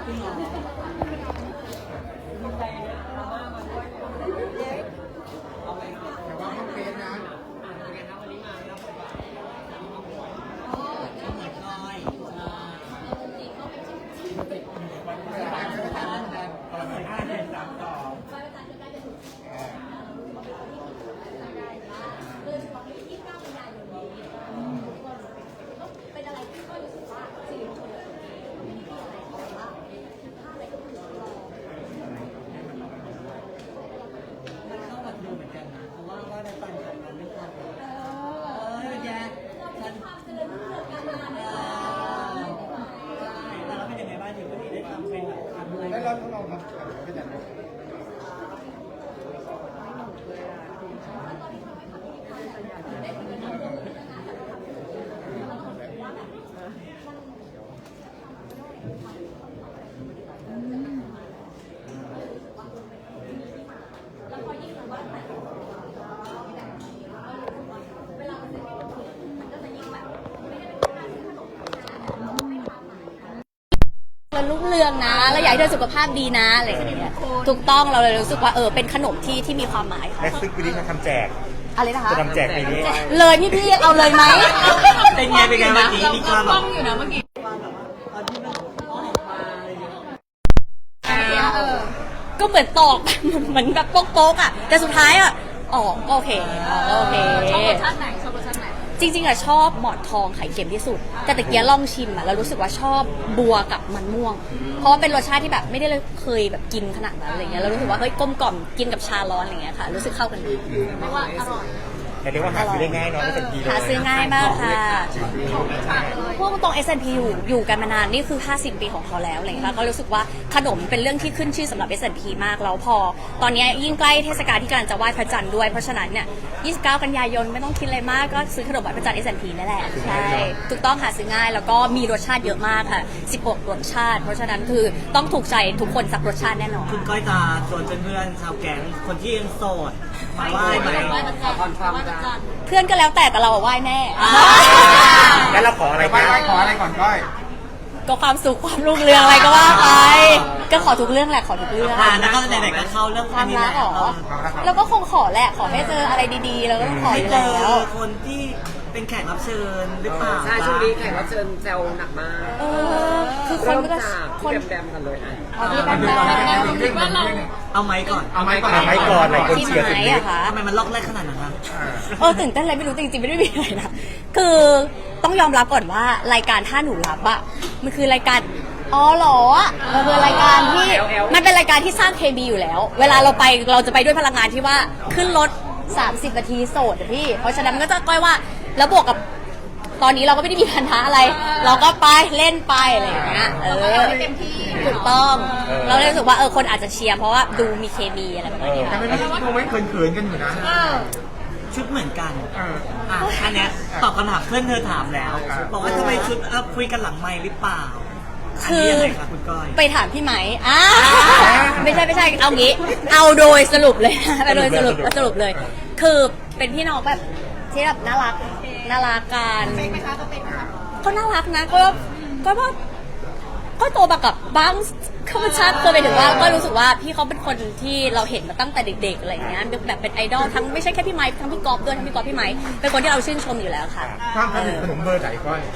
แต่ว่าไม่เป็นนะแล้วเราต้องลองทำไม่ได้รุ่งเรืองนะแล้วอยากให้เธอสุขภาพดีนะอะไรอย่างเงี้ยถูกต้องเราเลยรู้สึกว่าเป็นขนมที่มีความหมายค่ะและซึ่งปีนี้เขาทำแจกอะไรนะคะจะทำแจกปีนี้เลยพี่เอาเลยไหมเป็นไงเมื่อกี้มีความแบบอยู่นะเมื่อกี้ก็เหมือนตอกเหมือนแบบโป๊กๆอ่ะแต่สุดท้ายอ่ะโอเคชอบรสชาติไหนจริงๆอะชอบหมอนทองไข่เค็มที่สุดแต่ตะเกียลองชิมอะแล้วรู้สึกว่าชอบบัวกับมันม่วงเพราะว่าเป็นรสชาติที่แบบไม่ได้เคยแบบกินขนาดนั้นอะไรเงี้ยแล้วรู้สึกว่าเฮ้ยกลมกล่อมกินกับชาร้อนอะไรเงี้ยค่ะรู้สึกเข้ากันดีไม่ว่าอร่อยแต่เรียกว่าหาซื้อได้ง่ายเนาะ S&P หาซื้อง่ายมากค่ะพวกตรง S&P อยู่กันมานานนี่คือ50 ปีของเขาแล้วอะไรเงี้ยก็รู้สึกว่าขนมเป็นเรื่องที่ขึ้นชื่อสำหรับ S&P มากแล้วพอตอนนี้ยิ่งใกล้เทศกาลที่กำลังจะไหว้พระจันทร์ด้วยเพราะฉะนั้นเนี่ย29 กันยายนไม่ต้องคิดอะไรมากก็ซื้อขนมไหว้พระจันทร์ S&P นั่นแหละใช่ถูกต้องหาซื้อง่ายแล้วก็มีรสชาติเยอะมากค่ะ16 รสชาติเพราะฉะนั้นคือต้องถูกใจทุกคนสักรสชาติแน่นอนคุณก้อยจะชวนเพื่อนๆชาวแก๊งคนที่ยังโสดมาไหว้ไหมเพื่อนก็แล้วแต่เราไหว้แน่แล้วเราขออะไรกันขออะไรก่อนก้อยก็ความสุขความรุ่งเรืองอะไรก็ว่าไปก็ขอทุกเรื่องแหละขอทุกเรื่องแล้วก็ไหนๆก็เข้าเรื่องความรักหรอแล้วก็คงขอแหละขอให้เจออะไรดีๆแล้วก็ต้องขออยู่แล้วคนที่เป็นแขกรับเชิญหรือเปล่าใช่ช่วงนี้แขกรับเชิญแซวหนักมากคือคนก็คนแดมกันเลยที่แบมคิดว่าเราเอาไม้ก่อนหลายคนเชียร์สุดฤทธิ์ทำไมมันล็อกแรกขนาดนั้นคะตื่นเต้นอะไรไม่รู้จริงๆไม่ได้มีอะไรนะคือต้องยอมรับก่อนว่ารายการถ้าหนูรับอะมันคือรายการหรอมันเป็นรายการที่มันเป็นรายการที่สร้างเคมีอยู่แล้วเวลาเราจะไปด้วยพลังงานที่ว่าขึ้นรถ30 นาทีโสดอะพี่เพราะฉะนั้นก็จะก้อยว่าแล้วบวกกับตอนนี้เราก็ไม่ได้มีปัญหาอะไรเราก็ไปเล่นไปอะไรอย่างเงี้ยถูกต้องเราเลยรู้สึกว่าคนอาจจะเชียร์เพราะว่าดูมีเคมีอะไรแบบนี้แต่ไม่มีโมเมนต์เขินๆกันอยู่นะชุดเหมือนกันอันเนี้ยตอบคำถามเพื่อนเธอถามแล้วบอกว่าทำไมชุดคุยกันหลังไมค์หรือเปล่าคือไปถามพี่ไหมไม่ใช่เอางี้เอาโดยสรุปเลยไปโดยสรุปเลยคือเป็นพี่น้องแบบที่แบบน่ารักกันก็น่ารักนะก็โตมากับบ้างเขาเป็นชาติเคยไปถึงว่าก็รู้สึกว่าพี่เขาเป็นคนที่เราเห็นมาตั้งแต่เด็กๆอะไรอย่างเงี้ยแบบเป็นไอดอลทั้งไม่ใช่แค่พี่ไมค์ทั้งพี่กอล์ฟด้วยทั้งพี่กอล์ฟพี่ไมค์เป็นคนที่เราชื่นชมอยู่แล้วค่ะความสนิทขนมเบอร์ไหนก้อย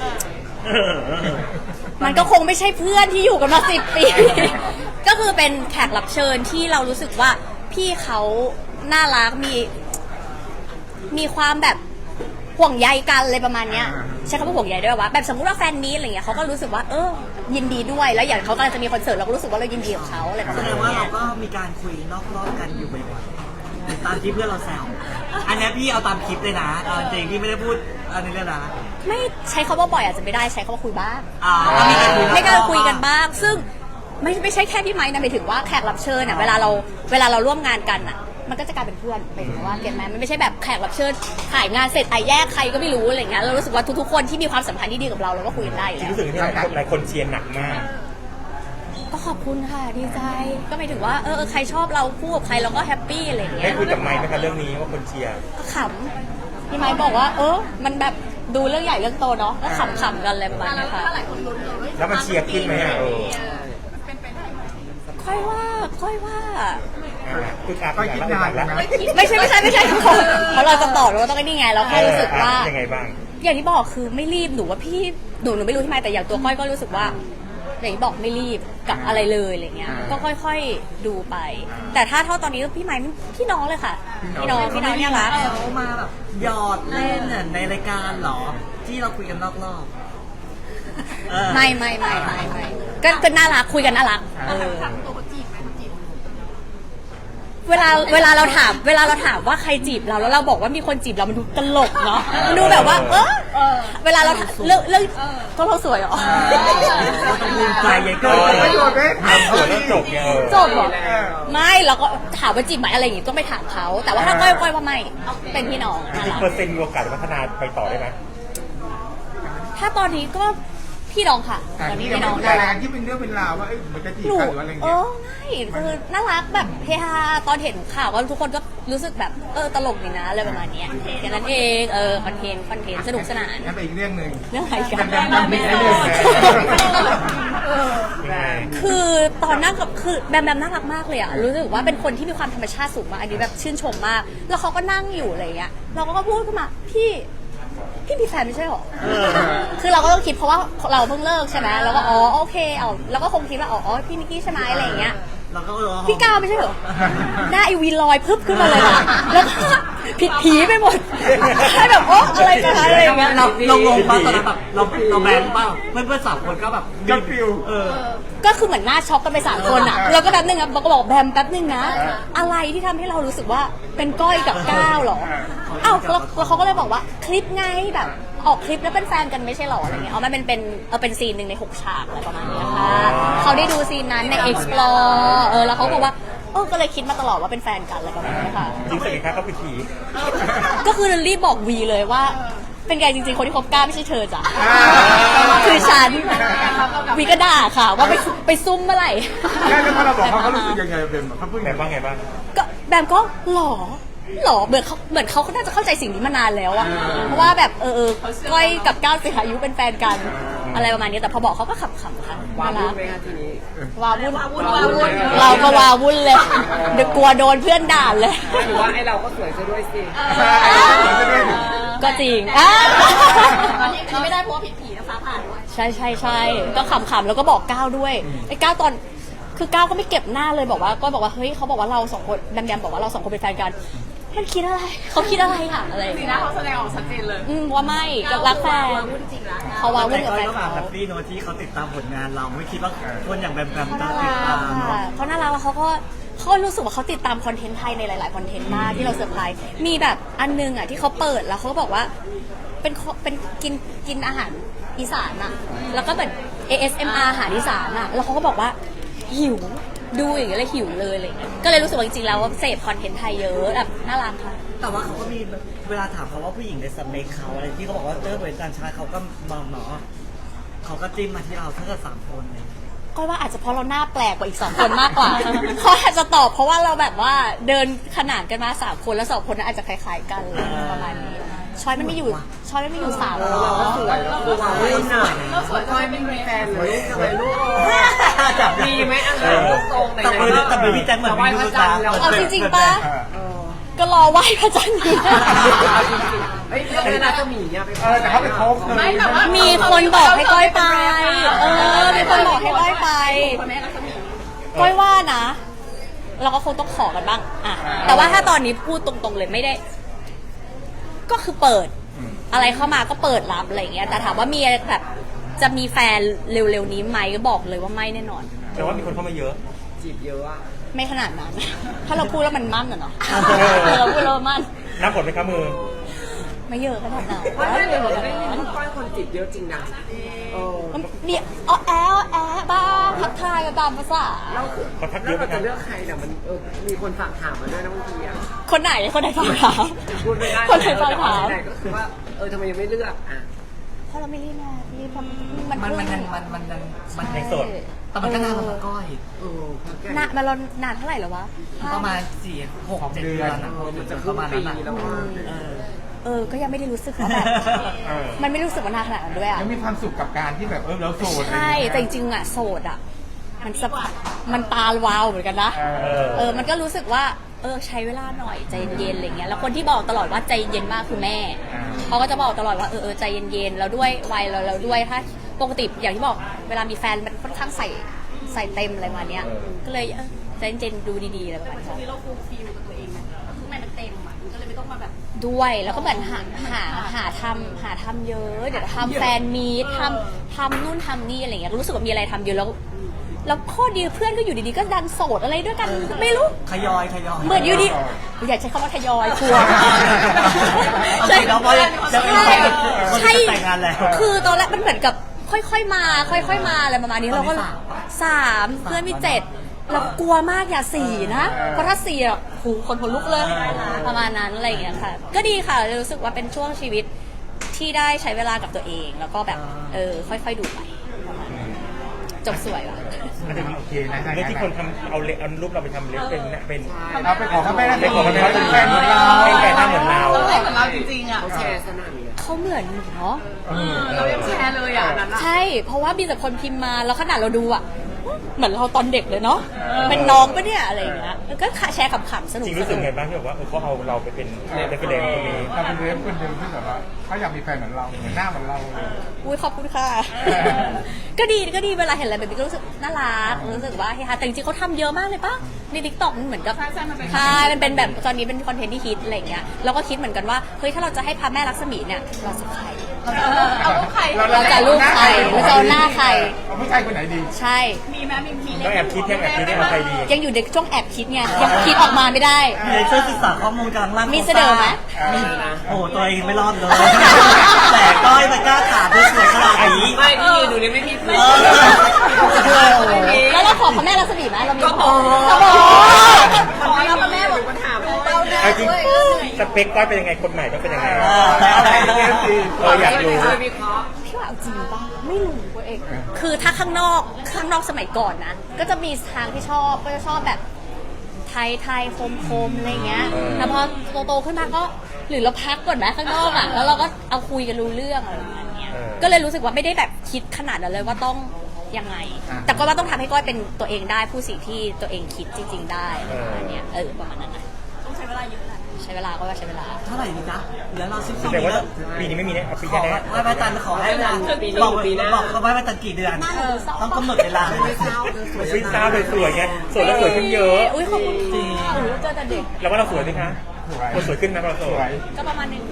มันก็คงไม่ใช่เพื่อนที่อยู่กันมา10 ปีก็คือเป็นแขกรับเชิญที่เรารู้สึกว่าพี่เขาน่ารักมีความแบบห่วงใยกันเลยประมาณเนี้ยใช้คำว่าห่วงใยด้วยว่าแบบสมมติว่าแฟนมีอะไรอย่างเงี้ยเขาก็รู้สึกว่ายินดีด้วยแล้วอย่างเขากำลังจะมีคอนเสิร์ตเราก็รู้สึกว่าเรายินดีกับเขาอะไรประมาณนี้แสดงว่าเราก็มีการคุยนอกรอบกันอยู่บ่อยๆตามที่เพื่อนเราแซวอันนี้พี่เอาตามคลิปเลยนะจริงพี่ไม่ได้พูดอันนี้เลยนะไม่ใช้คำว่าบ่อยอาจจะไม่ได้ใช้คำว่าคุยบ้างไม่การคุยกันบ้างซึ่งไม่ใช่แค่พี่ไม้นะหมายถึงว่าแขกรับเชิญเวลาเราร่วมงานกันมันก็จะกลายเป็นเพื่อนหมายถึงว่าเก็ตไหมมันไม่ใช่แบบแขกรับเชิญถ่ายงานเสร็จแยกใครก็ไม่รู้อะไรเงี้ยเรารู้สึกว่าทุกๆคนที่มีความสัมพันธ์ที่ดีกับเราก็คุยกันได้แล้วรู้สึกที่หลายคนเชียร์หนักมากก็ขอบคุณค่ะดีใจก็หมายถึงว่าใครชอบเราคู่กับใครเราก็แฮปปี้อะไรเงี้ยได้คุยกับไมค์ไหมคะเรื่องนี้ว่าคนเชียร์ก็ขำพี่ไมค์บอกว่ามันแบบดูเรื่องใหญ่เรื่องโตเนาะก็ขำกันอะไรประมาณนี้ค่ะแล้วมันเชียร์ขึ้นไหมค่อยว่าคือการก้อยคิดนานอยู่นะไม่ใช่เพราะเราจะตอบเราต้องไอ้นี่ไงเราแค่รู้สึกว่ายังไงบ้างอย่างที่บอกคือไม่รีบหนูว่าพี่หนูไม่รู้ทำไมแต่อย่างตัวก้อยก็รู้สึกว่าอย่างที่บอกไม่รีบกับอะไรเลยอะไรเงี้ยก็ค่อยๆดูไป แต่ถ้าเท่าตอนนี้พี่ไม้พี่น้องเลยค่ะพี่น้องเนี่ยรักเขามาแบบหยอดเล่นน่ะในรายการเหรอ ที่เราคุยกันนอกรอบเออไม่ก็น่ารักคุยกันน่ารักเวลาเราถามว่าใครจีบเราแล้วเราบอกว่ามีคนจีบเรามันดูตลกเนาะมันดูแบบว่าเวลาเราเรื่องก็เราสวยเหรอต้องภูมิใจใหญ่เกินประโยชน์ไหมถามเขาแล้วดิจบไงจบเหรอไม่เราก็ถามว่าจีบไหมอะไรอย่างงี้ต้องไปถามเขาแต่ว่าถ้าก้อยว่าไม่เป็นพี่น้องจริงๆเปอร์เซ็นต์มีโอกาสพัฒนาไปต่อได้ไหมถ้าตอนนี้ก็พี่น้องค่ะแต่ตอนนี้ที่ยังพี่น้องไม่ได้อะไรที่เป็นเรื่องเป็นราวว่ามันจะจีบหนูกันหรืออะไรอย่างเงี้ยไม่คือน่ารักแบบเฮฮาตอนเห็นข่าวก็ทุกคนก็รู้สึกแบบตลกดีนะอะไรประมาณเนี้ยแค่นั้นเองคอนเทนต์สนุกสนานงั้นไปอีกเรื่องหนึ่งเรื่องอะไรกันแบมไม่ใช่เรื่องแบมยังไงคือตอนนั่งกับคือแบมน่ารักมากเลยอะรู้สึกว่าเป็นคนที่มีความธรรมชาติสูงมากอันนี้แบบชื่นชมมาก แล้วเขาก็นั่งอยู่อะไรเงี้ยเราก็พูดขึ้นมาพี่มีแฟนไม่ใช่หรอคือเราก็ต้องคิดเพราะว่าเราเพิ่งเลิกใช่ไหมแล้วก็โอเคแล้วก็คงคิดว่าพี่นิกกี้ใช่ไหมอะไรอย่างเงี้ยเราก็พี่ก้าวไม่ใช่เหรอหน้าไอวีลอยพึบขึ้นมาเลยอะแล้วก็ผิดผีไปหมดให้แบบอะไรกันอะไรอย่างเงี้ยเรางงป่ะตอนนั้นแบบเราแบนป่ะเพื่อนๆสามคนก็แบบก็ฟิลก็คือเหมือนหน้าช็อกกันไป3 คนอ่ะแล้วก็แป๊บนึงอ่ะบอกก็บอกแบมแป๊บนึงนะ อะไรที่ทำให้เรารู้สึกว่าเป็นก้อยกับก้าวหรออ้าวแล้วเขาก็เลยบอกว่าคลิปไงแบบออกคลิปแล้วเป็นแฟนกันไม่ใช่หรออะไรเงี้ยมันเป็นซีนหนึ่งใน6 ฉากอะไรประมาณนี้ค่ะเขาได้ดูซีนนั้นใน explore แล้วเขาบอกว่าก็เลยคิดมาตลอดว่าเป็นแฟนกันอะไรประมาณนี้ค่ะจริงสิครับเขาเป็นผีก็คือรีบบอกวีเลยว่าเป็นไงจริงๆคนที่คบก้าวไม่ใช่เธอจ้ะคือฉันวีก็ด่าค่ะว่าไปซุ่มเมื่อไหร่แล้วพอเราบอกเขารู้สึกยังไงเบมเขาพูดแบบว่าไงบ้างก็แบมก็หรอเหมือนเขาน่าจะเข้าใจสิ่งนี้มานานแล้วอะเพราะว่าแบบก้อยกับก้าวสิอายุเป็นแฟนกันอะไรประมาณนี้แต่พอบอกเขาก็ขำๆค่ะวาน่าวุ่รันกไหมคะทีนี้วาวุ่นเราก็วาวุ่นเลยเดี๋ยวกลัวโดนเพื่อนด่าเลยหรือว่าไอเราก็สวยซะด้วยสิก็จริงตอนนี้ไม่ได้เพราะว่าผิดผีนะฟ้าผ่าด้วยใช่ก็ขำๆแล้วก็บอกก้าวด้วยไอ้ก้าวตอนคือก้าวก็ไม่เก็บหน้าเลยบอกว่าก็บอกว่าเฮ้ยเขาบอกว่าเรา2 คนแบมบอกว่าเรา2 คนเป็นแฟนกันมันคิดอะไรเขาคิดอะไรค่ะอะไรสีหน้าเขาแสดงออกชัดเจนเลยว่าไม่ก็รักแฟนเขาวาวุ่นกับแฟนก็เขาแบบแฮปปี้โนที่เขาติดตามผลงานเราไม่คิดว่าคนอย่างแบมจะติดตามเนาะเขาน่ารักแล้วเขารู้สึกว่าเขาติดตามคอนเทนต์ไทยในหลายๆคอนเทนต์มากที่เราเซอร์ไพรส์มีแบบอันนึงอ่ะที่เขาเปิดแล้วเขาบอกว่าเป็นกินอาหารอีสานอ่ะแล้วก็แบบ ASMR อาหารอีสานอ่ะแล้วเขาก็บอกว่าหิวดูอย่างเงี้ยเลยหิวเลยอะไรเงี้ยก็เลยรู้สึกว่าจริงๆแล้วว่าเสพคอนเทนต์ไทยเยอะแบบน่ารักค่ะแต่ว่าเขาก็มีเวลาถามเขาว่าผู้หญิงในสเปคเขาอะไรที่เขาบอกว่าเป็นต่างชาติเขาก็มองเนาะเขาก็จิ้มมาที่เราทั้ง3 คนเลยก็ว่าอาจจะเพราะเราหน้าแปลกกว่าอีก2 คนมากกว่า เขาอาจจะตอบเพราะว่าเราแบบว่าเดินขนานกันมา3 คนแล้ว2 คนนั้นอาจจะคล้ายๆกันประมาณนี้ช้อยมันไม่อยู่3 เราก็สวยเราคือวาวุ่นอ่ะแล้วสวยก้อยไม่มีแฟนหรือลูกทำไมลูกมีไหมลูกตรงไหนแต่มือพี่แจ็คเหมือนมีลูกตาเอาจริงๆปะก็รอไหว้พระจันทร์อยู่เฮ้ยเรื่องน่าจะมีเนี่ยไปแต่เขาเป็นโค้ชเลยมีคนบอกให้ก้อยไปมีคนบอกให้ก้อยไปก้อยว่านะ เราก็คงต้องขอกันบ้างอะแต่ว่าถ้าตอนนี้พูดตรงๆเลยไม่ได้ ก็คือเปิดอะไรเข้ามาก็เปิดรับอะไรอย่างเงี้ยแต่ถามว่ามีแบบจะมีแฟนเร็วๆนี้ไหมก็บอกเลยว่าไม่แน่นอนแต่ว่ามีคนเข้ามาเยอะจีบเยอะอ่ะไม่ขนาดนั้น ถ้าเราพูดแล้วมันมั่นอะเนาะเราพูดแล้วมั่นนับผลไหมครับมือไม่เยอะขนาดนั้นเพราะไม่เลยไม่มีลูกก้อยคนจีบเยอะจริงนะเนี่ยแอะบ้าทักทายกันตามภาษาแล้วเขาทักเยแล้วอะไหมครับเราจะเลือกใครเนี่ยมันมีคนฝากถามมาด้วยนะบางทีอ่ะคนไหนฝากถามพูดไม่ได้คนไหนฝากถามแต่ก็คือว่าทำไมยังไม่เลือกอ่ะเพราะเราไม่รีบมาพี่เพราะมันในโสดแต่มันก็นานแล้วก้อยนานมาเรานานเท่าไหร่แล้ววะประมาณ4-6-7 เดือนอ่ะมันจะปครึ่ระงมาณปีนั้นแล้วว่าก็ยังไม่ได้รู้สึกว่าแบบ มันไม่รู้สึกว่านานขนาดนั้นด้วยอ่ะยังมีความสุขกับการที่แบบเราโสดใช่แต่จริงๆอ่ะโสดอ่ะมันสะพัดมันตาวาวเหมือนกันนะเออมันก็รู้สึกว่าใช้เวลาหน่อยใจเย็นๆอะไรเงี้ยแล้วคนที่บอกตลอดว่าใจเย็นมากคือแม่เขาก็จะบอกตลอดว่าใจเย็นๆแล้วด้วยวัยเราด้วยถ้าปกติอย่างที่บอกเวลามีแฟนมันค่อนข้างใส่เต็มอะไรมาเนี้ยก็เลยใจเย็นๆดูดีๆอะไรประมาณนี้เราฟูลฟิลกับตัวเองไหมข้างในมันเต็มอ่ะก็เลยไม่ต้องมาแบบด้วยแล้วก็เหมือนหาทำเยอะเดี๋ยวทำแฟนมีตทำนู่นทำนี่อะไรเงี้ยรู้สึกว่ามีอะไรทำเยอะแล้วข้อดีเพื่อนก็อยู่ดีๆก็ดันโสดอะไรด้วยกันไม่รู้ทยอยเหมือนอยู่ดีอยากใช้คำว่าทยอยกลัวใช่แล้วเพราะจะเป็นคนใช่จะแต่งงานแล้วคือตอนแรกมันเหมือนกับค่อยๆมาอะไรประมาณนี้เราก็3เพื่อนมี7เรากลัวมากอย่า4นะเพราะถ้า4อ่ะหูคนลุกเลยประมาณนั้นอะไรอย่างเงี้ยค่ะก็ดีค่ะรู้สึกว่าเป็นช่วงชีวิตที่ได้ใช้เวลากับตัวเองแล้วก็แบบค่อยๆดูไปประมาณนั้นจบสวยว่ะโอเคนะเรื่องที่คนทำเอารูปเราไปทำเล็บเป็นเราไปขอเขาไม่ได้ไปขอเขาไม่ได้เป็นแฟนเหมือนเราเป็นแฟนหน้าเหมือนเราเราเหมือนเราจริงๆอ่ะแชร์สนั่นเลยเขาเหมือนหนูเนาะเรายังแชร์เลยอ่ะนั่นอ่ะใช่เพราะว่ามีแต่คนพิมพ์มาแล้วขนาดเราดูอ่ะเหมือนเราตอนเด็กเลยเนาะเป็นน้องปะเนี่ยอะไรอย่างเงี้ยแล้วก็แชร์ขำๆสนุจกริงรู้สึกไงบ้างที่แบบว่าเขาเอาเราไปเป็นเรฟเฟรนซ์ตรงนี้เราเป็นเรื่องคนเดียวที่แบบว่าเขาอยากมีแฟนเหมือนเราเหมือนหน้าเหมือนเราเลยอุ้ยขอบคุณค่ะ ก็ดีเวลาเห็นอะไรแบบนี้ก็รู้สึกน่ารักรู้สึกว่าเฮ้ยแต่จริงๆเขาทำเยอะมากเลยปะในทิกตอกมันเหมือนกับใช่มันเป็นแบบตอนนี้เป็นคอนเทนต์ที่ฮิตอะไรอย่างเงี้ยเราก็คิดเหมือนกันว่าเฮ้ยถ้าเราจะให้พระแม่ลักษมีเนี่ยเราจะใครเอาลูกใครเราจะลูกใครเราจะเอาหน้าใครเอาผู้ชายคนไหนดีใช่มีไหมมีก็แอบคิดได้เอาใครดียังอยู่ในช่วงแอบคิดไงยังคิดออกมาไม่ได้มีช่วยศึกษาข้อมูลกลางล่างมีเสนอไหมมีโอ้โหตัวเองไม่รอดเลย แต่ก้อยมันกล้าถามด้วยสวยขนาดนี้ไม่พี่ดูนี่ไม่มีเพื่อนแล้วเราขอพระแม่ลักษมีไหมเรามีก็ขอก็ขอขอแล้วแม่บอกปัญหาเราได้เอาจริงสเปคก้อยเป็นยังไงคนใหม่ต้องเป็นยังไง อยากรู้วิเคราะห์พี่ว่าเอาจริงป่ะไม่รู้เองคือถ้าข้างนอกสมัยก่อนนะก็จะมีทางที่ชอบก็จะชอบแบบไทยคมอะไรเงี้ยแต่พอโตขึ้นมาก็หรือเราพักก่อนไหมข้างนอกอ่ะแล้วเราก็เอาคุยกันรู้เรื่องอะไรอย่างเงี้ยก็เลยรู้สึกว่าไม่ได้แบบคิดขนาดนั้นเลยว่าต้องยังไง แต่ก็ว่าต้องทำให้ก้อยเป็นตัวเองได้ผู้สิ่งที่ตัวเองคิดจริง ๆ ได้อะไรเงี้ยประมาณนั้นนะต้องใช้เวลาเยอะแหละใช้เวลาก็ว่าใช้เวลาเท่าไหร่ดีจ๊ะเหลือเรา12 แต่ปีว่าแล้วปีนี้ไม่มีแน่เอาปีขอแน่ไหว้พระจันทร์ขอให้เวลาบอกเขาไหว้พระจันทร์กี่เดือน ต้องกำหนดเวลาวิซ่าสวยๆไงสวยแล้วสวยขึ้นเยอะอุ้ยขอบคุณค่ะหนูเจอแต่เด็กแล้วว่าเราสวยไหมคะเราสวยขึ้นนะเราสสววย ยก็ประมาณนึง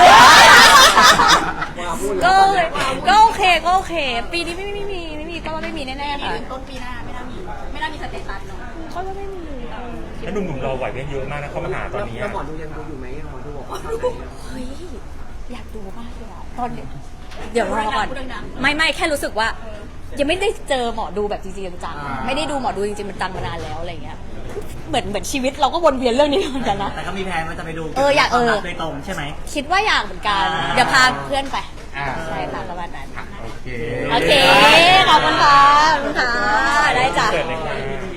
ก็โอเคปีนี้ไม่มีก็ว่าไม่มีแน่ๆค่ะต้นปีหน้าไม่น่ามีสเตตัสเนาะก็ว่าไม่มีแล้วหนุ่มๆเราไหวเยอะมากนะเข้ามาหาตอนนี้แล้วหมอดูยังดูอยู่ไหมหมอดูบอกว่าเฮ้ยอยากดูมากเลยอะตอนเดี๋ยวรอก่อนไม่แค่รู้สึกว่า ยังไม่ได้เจอหมอดูแบบจริงๆจังๆไม่ได้ดูหมอดูจริงๆมันจังมานานแล้วอะไรเงี้ยเหมือนชีวิตเราก็วนเวียนเรื่องนี้เหมือนกันนะแต่ก็มีแผนว่าจะไปดูอยากความรัโดยตรงใช่ไหมคิดว่าอยากเหมือนกันเดี๋ยวพาเพื่อนไปอ่าใช่ค่ะประมาณนั้นโอเคโอเคขอบคุณค่ะได้จ้ะเกิดเลยค่ะ